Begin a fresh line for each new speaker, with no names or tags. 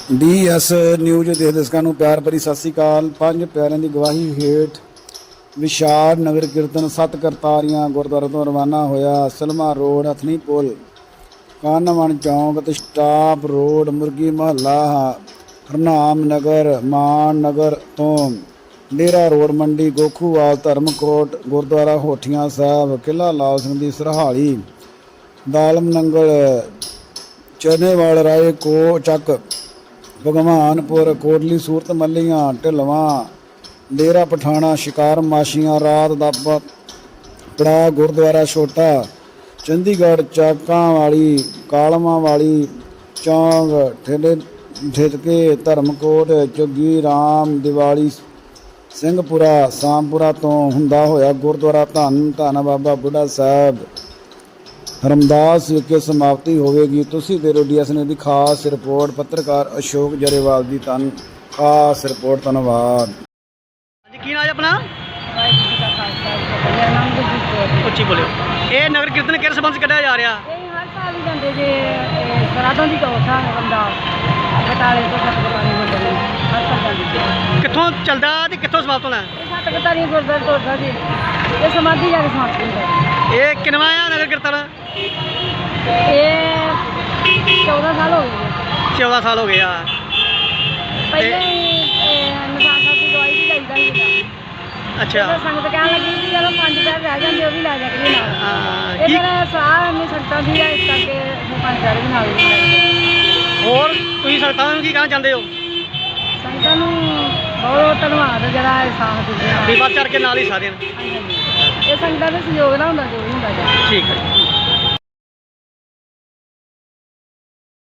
DS news ਦੇ ਦਰਸ਼ਕਾਂ ਨੂੰ ਪਿਆਰ ਭਰੀ ਸਤਿ ਸ੍ਰੀ ਅਕਾਲ। ਪੰਜ ਪਿਆਰਿਆਂ ਦੀ ਗਵਾਹੀ ਹੇਠ ਵਿਸ਼ਾਲ ਨਗਰ ਕੀਰਤਨ 7 ਕਰਤਾਰੀਆਂ ਗੁਰਦੁਆਰੇ ਤੋਂ ਰਵਾਨਾ ਹੋਇਆ। ਸਲਮਾ ਰੋਡ, ਹਥਨੀ ਪੁਲ, ਕਾਨਵਣ ਚੌਂਕ ਅਤੇ ਸਟਾਪ ਰੋਡ, ਮੁਰਗੀ ਮਹੱਲਾ, ਹਰਨਾਮ ਨਗਰ, ਮਾਨ ਨਗਰ ਤੋਂ ਡੇਰਾ ਰੋਡ, ਮੰਡੀ, ਗੋਖੂਵਾਲ, ਧਰਮਕੋਟ, ਗੁਰਦੁਆਰਾ ਹੋਠੀਆਂ ਸਾਹਿਬ, ਕਿਲ੍ਹਾ ਲਾਲ ਸਿੰਘ ਦੀ ਸਰਹਾਲੀ, ਦਾਲਮ ਨੰਗਲ, ਚਰਨੇਵਾਲ, ਰਾਏ ਕੋ ਚੱਕ, ਭਗਵਾਨਪੁਰ, ਕੋਟਲੀ ਸੂਰਤ ਮੱਲੀਆਂ, ਢਿਲਵਾਂ, ਡੇਰਾ ਪਠਾਣਾ, ਸ਼ਿਕਾਰ ਮਾਸ਼ੀਆਂ, ਰਾਤ ਦਾ ਪੜਾ, ਗੁਰਦੁਆਰਾ ਛੋਟਾ, ਚੰਡੀਗੜ੍ਹ, ਚਾਕਾਂ ਵਾਲੀ, ਕਾਲਮਾਂ ਵਾਲੀ, ਚੌਂਕ, ਠੇਠਕੇ, ਧਰਮਕੋਟ, ਝੁੱਗੀ ਰਾਮ, ਦੀਵਾਲੀ, ਸਿੰਘਪੁਰਾ, ਸਾਮਪੁਰਾ ਤੋਂ ਹੁੰਦਾ ਹੋਇਆ ਗੁਰਦੁਆਰਾ ਧੰਨ ਧੰਨ ਬਾਬਾ ਬੁੱਢਾ ਸਾਹਿਬ ਰਮਦਾਸ ਵਿਖੇ ਸਮਾਪਤੀ ਹੋਵੇਗੀ। ਤੁਸੀਂ ਦੇ DS ਨੇ ਦੀ ਖਾਸ ਰਿਪੋਰਟ। ਪੱਤਰਕਾਰ ਅਸ਼ੋਕ ਜਰੇਵਾਲ ਦੀ ਖਾਸ ਰਿਪੋਰਟ। ਧੰਨਵਾਦ।
ਜੀ ਕੀ ਨਾਮ ਹੈ ਆਪਣਾ?
ਵਾਹਿਗੁਰੂ ਜੀ ਕਾ ਖਾਲਸਾ, ਮੇਰਾ ਨਾਮ ਗੁਰਜੀਤ ਕੌਰ ਹੈ।
ਉੱਚੀ ਬੋਲਿਓ। ਇਹ ਨਗਰ ਕੀਰਤਨ ਕਿਹੜੇ ਸੰਬੰਧ 'ਚ ਕੱਢਿਆ ਜਾ ਰਿਹਾ?
ਇਹ ਹਰ ਸਾਲ ਹੀ ਜਾਂਦੇ ਜੇ ਸਰਾਧਾਂ ਦੀ ਕੌਠਾ ਰਮਦਾਸ ਬਟਾਲੇ ਤੋਂ ਸਤਿਗੁਰਬਾਣੀ ਗੁਰਦੁਆਰੇ ਹਰ ਸਾਲ ਜਾਂਦੇ।
ਕਿੱਥੋਂ ਚੱਲਦਾ ਤੇ ਕਿੱਥੋਂ ਸਮਾਪਤ ਹੋਣਾ?
ਇਹ ਸਤਿਗੁਰਬਾਣੀ ਗੁਰਦੁਆਰੇ ਤੋਂ ਜੀ ਇਹ ਸਮਾਧੀ ਜਾ ਕੇ ਸਮਾਪਤ ਹੁੰਦਾ।
ਇਹ ਕਿੰਨਵਾਂ ਆ ਨਗਰ ਕੀਰਤਨ?
ਇਹ 14 ਸਾਲ ਹੋ ਗਏ।
14 ਸਾਲ ਹੋ ਗਏ ਆ।
ਪਹਿਲੇ ਨਿਸ਼ਾਨ ਸਾਹਿਬ ਦੀ ਦਵਾਈ ਵੀ ਲੈਂਦਾ ਸੀਗਾ।
ਅੱਛਾ।
ਸੰਗਤ ਕਹਿਣ ਲੱਗੀ ਵੀ ਜਦੋਂ 5 ਪੈਰ ਰਹਿ ਜਾਂਦੇ ਉਹ ਵੀ ਲੈ ਜਾ ਕੇ ਨਾਲ।
ਹਾਂ,
ਇਹ
ਕੀ
ਫਿਰ ਸਾਹ ਇੰਨੀ ਸੰਗਤਾਂ ਦੀ ਆ, ਇਸ ਕਰਕੇ 5 ਪੈਰ ਵੀ ਨਾਲ ਲੈ ਜਾਂਦੇ।
ਹੋਰ ਤੁਸੀਂ ਸੰਗਤਾਂ ਨੂੰ ਕੀ ਕਹਿਣਾ ਚਾਹੁੰਦੇ ਹੋ?
ਸੰਗਤਾਂ ਨੂੰ ਬਹੁਤ ਧੰਨਵਾਦ ਜਿਹੜਾ ਇਹ ਸਾਥ ਦਿੰਦੇ ਆ।
ਵੀ ਵੱਧ ਚੜ ਕੇ ਨਾਲ ਹੀ ਸਾਰਿਆਂ ਨੂੰ।
ਇਹ ਸੰਗਤਾਂ ਦੇ ਸਹਿਯੋਗ ਨਾਲ ਹੁੰਦਾ ਜੋ ਵੀ ਹੁੰਦਾ ਜੀ।
ਠੀਕ ਹੈ ਜੀ।